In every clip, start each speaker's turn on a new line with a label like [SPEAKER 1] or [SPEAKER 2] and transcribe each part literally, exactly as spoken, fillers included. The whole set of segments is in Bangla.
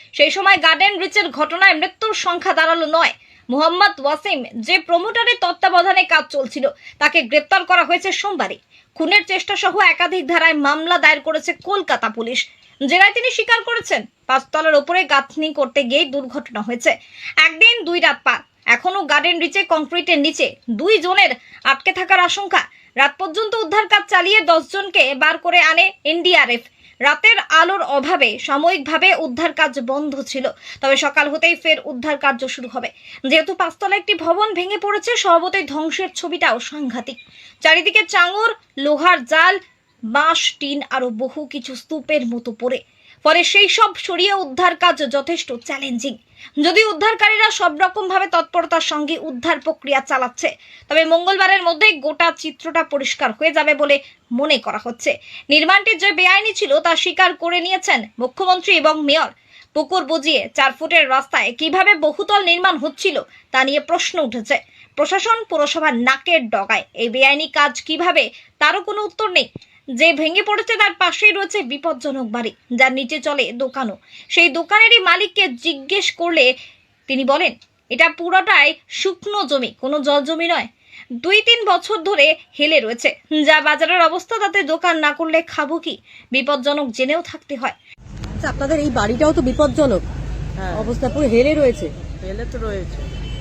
[SPEAKER 1] সেই সময় গার্ডেন রিচের ঘটনায় মৃত্যুর সংখ্যা দাঁড়ালো নয়। মোহাম্মদ ওয়াসিম, যে প্রমোটারের তত্ত্বাবধানে কাজ চলছিল, তাকে গ্রেপ্তার করা হয়েছে সোমবারই। খুনের চেষ্টা সহ একাধিক ধারায় মামলা দায়ের করেছে কলকাতা পুলিশ। জেলায় তিনি স্বীকার করেছেন, পাঁচতলার ওপরে গাঁথনি করতে গিয়ে দুর্ঘটনা হয়েছে। একদিন দুই রাত পার, এখনো গার্ডেন রিচে কংক্রিটের নিচে দুই জনের আটকে থাকার আশঙ্কা। রাত পর্যন্ত উদ্ধার কাজ চালিয়ে দশ জনকে বার করে আনে এন ডি আর এফ। রাতের আলোর অভাবে সাময়িকভাবে উদ্ধার কাজ বন্ধ ছিল, তবে সকাল হতেই ফের উদ্ধার কার্য শুরু হবে। যেহেতু পাঁচতলা একটি ভবন ভেঙে পড়েছে, স্বভাবতই ধ্বংসের ছবিটাও সাংঘাতিক। চারিদিকে চাঙর, লোহার জাল, বাঁশ, টিন আরো বহু কিছু স্তূপের মতো পড়ে, ফলে সেই সব সরিয়ে উদ্ধার কাজ যথেষ্ট চ্যালেঞ্জিং। যদি উদ্ধারকারীরা সব রকম ভাবে তৎপরতার সঙ্গে উদ্ধার প্রক্রিয়া চালাচ্ছে, তবে মঙ্গলবারের মধ্যে গোটা চিত্রটা পরিষ্কার হয়ে যাবে বলে মনে করা হচ্ছে। নির্মাণটি যে বেআইনি ছিল তা স্বীকার করে নিয়েছেন মুখ্যমন্ত্রী এবং মেয়র। পুকুর বুজিয়ে চার ফুটের রাস্তায় কিভাবে বহুতল নির্মাণ হচ্ছিল তা নিয়ে প্রশ্ন উঠেছে। প্রশাসন, পুরসভার নাকের ডগায় এই বেআইনি কাজ কিভাবে, তারও কোনো উত্তর নেই। যে ভেঙে পড়েছে তার পাশেই রয়েছে বিপজ্জনক বাড়ি, যার নিচে চলে দোকানও। সেই দোকানেরই মালিককে জিজ্ঞেস করলে তিনি বলেন, এটা পুরোটাই শুকনো জমি, কোনো জল জমি নয়। দুই তিন বছর ধরে হেলে রয়েছে, যা বাজারের অবস্থা, তাতে দোকান না করলে খাবো কি? বিপজ্জনক জেনেও থাকতে হয়।
[SPEAKER 2] আচ্ছা, আপনাদের এই বাড়িটাও তো বিপজ্জনক
[SPEAKER 3] হ্যাঁ,
[SPEAKER 2] অবস্থা, পুরো হেলে রয়েছে।
[SPEAKER 3] এলে তো রয়েছে।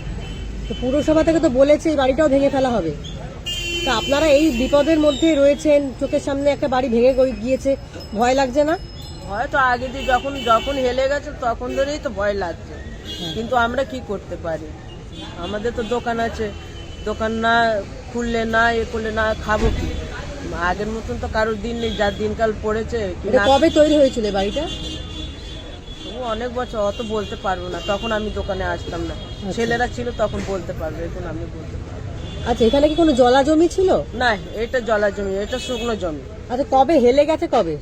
[SPEAKER 2] তো পুরসভা থেকে তো বলেছে এই বাড়িটাও ভেঙে ফেলা হবে। তা আপনারা এই বিপদের মধ্যে রয়েছেন, চোখের সামনে একটা বাড়ি ভেঙে গই- গিয়েছে, ভয় লাগছে না?
[SPEAKER 3] হয়তো আগে দিয়ে যখন যখন হেলে গেছে তখন ধরেই তো ভয় লাগছে, কিন্তু আমরা কি করতে পারি? আমাদের তো দোকান আছে, দোকান না খুললে না এ করলে না খাবো কি? আগের মতন তো কারোর দিন নেই, যার দিনকাল পড়েছে কি
[SPEAKER 2] এটা
[SPEAKER 3] না।
[SPEAKER 2] কবে তৈরি হয়েছিল এই বাড়িটা?
[SPEAKER 3] তবু অনেক বছর, অত বলতে পারবো না, তখন আমি দোকানে আসতাম না। ছেলেরা ছিল তখন বলতে পারবে, এখন আমি বলতে পারবো না।
[SPEAKER 2] আচ্ছা, এখানে কি কোনো জলা জমি ছিল?
[SPEAKER 3] না, এটা জলা জমি, এটা শুকনো জমি।
[SPEAKER 2] আচ্ছা, কবে হেলে গেছে কবে?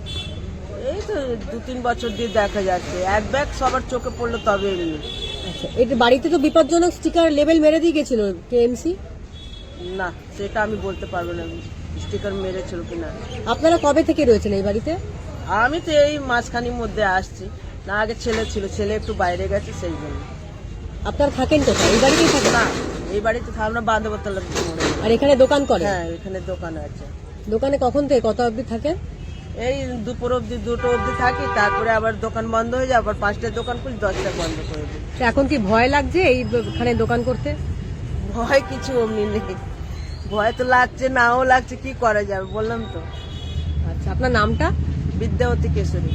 [SPEAKER 3] এই তো দু তিন বছর দিয়ে দেখা যাচ্ছে, এক ব্যাগ সবার চোখে পড়লো তবে এমনি।
[SPEAKER 2] আচ্ছা, এই বাড়িতে তো বিপজ্জনক স্টিকার লেবেল মেরে দিয়ে গেছিল কে এম সি।
[SPEAKER 3] না, সেটা আমি বলতে পারবো না স্টিকার মেরেছিল কিনা।
[SPEAKER 2] আপনারা কবে থেকে রয়েছেন এই বাড়িতে?
[SPEAKER 3] আমি তো এই মাঝখানির মধ্যে আসছি না, আগে ছেলে ছিল, ছেলে একটু বাইরে গেছে সেই জন্য।
[SPEAKER 2] আপনারা থাকেন কোথায়? এই বাড়িতেই থাকেন?
[SPEAKER 3] না, এই বাড়িতে থাক- আমরা বাঁধবতলা।
[SPEAKER 2] আর এখানে দোকান করেন?
[SPEAKER 3] হ্যাঁ, এখানে দোকান আছে।
[SPEAKER 2] দোকানে কখন থেকে কত অবধি থাকেন?
[SPEAKER 3] এই দুপুর অবধি, দুটো অবধি থাকি, তারপরে আবার দোকান বন্ধ হয়ে যায়, আবার পাঁচটায় দোকান খুলি, দশটায় বন্ধ করে দিই।
[SPEAKER 2] তো এখন কি ভয় লাগছে এইখানে দোকান করতে?
[SPEAKER 3] ভয় কিছু অমনি নেই, ভয় তো লাগছে, নাও লাগছে, কি করা যাবে বললাম তো।
[SPEAKER 2] আচ্ছা, আপনার নামটা?
[SPEAKER 3] বিদ্যাবতী কেশরী।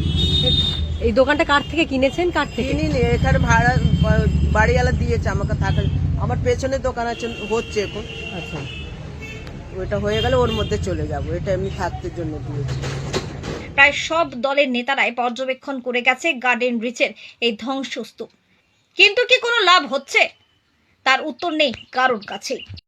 [SPEAKER 2] এই দোকানটা কার থেকে কিনেছেন, কার থেকে?
[SPEAKER 3] কিনিনি, এখানে ভাড়া বাড়িওয়ালা দিয়েছে আমাকে থাকার। আমার পেছনে দোকান আছে, হচ্ছে এখন,
[SPEAKER 2] আচ্ছা,
[SPEAKER 3] ওইটা হয়ে গেলে ওর মধ্যে চলে যাব, এটা এমনি থাকতে জন্য দিয়েছে।
[SPEAKER 1] প্রায় সব দলের নেতারাই পর্যবেক্ষণ করে গেছে গার্ডেন রিচের এই ধ্বংসস্তূপ, কিন্তু কি কোনো লাভ হচ্ছে? তার উত্তর নেই কারোর কাছে।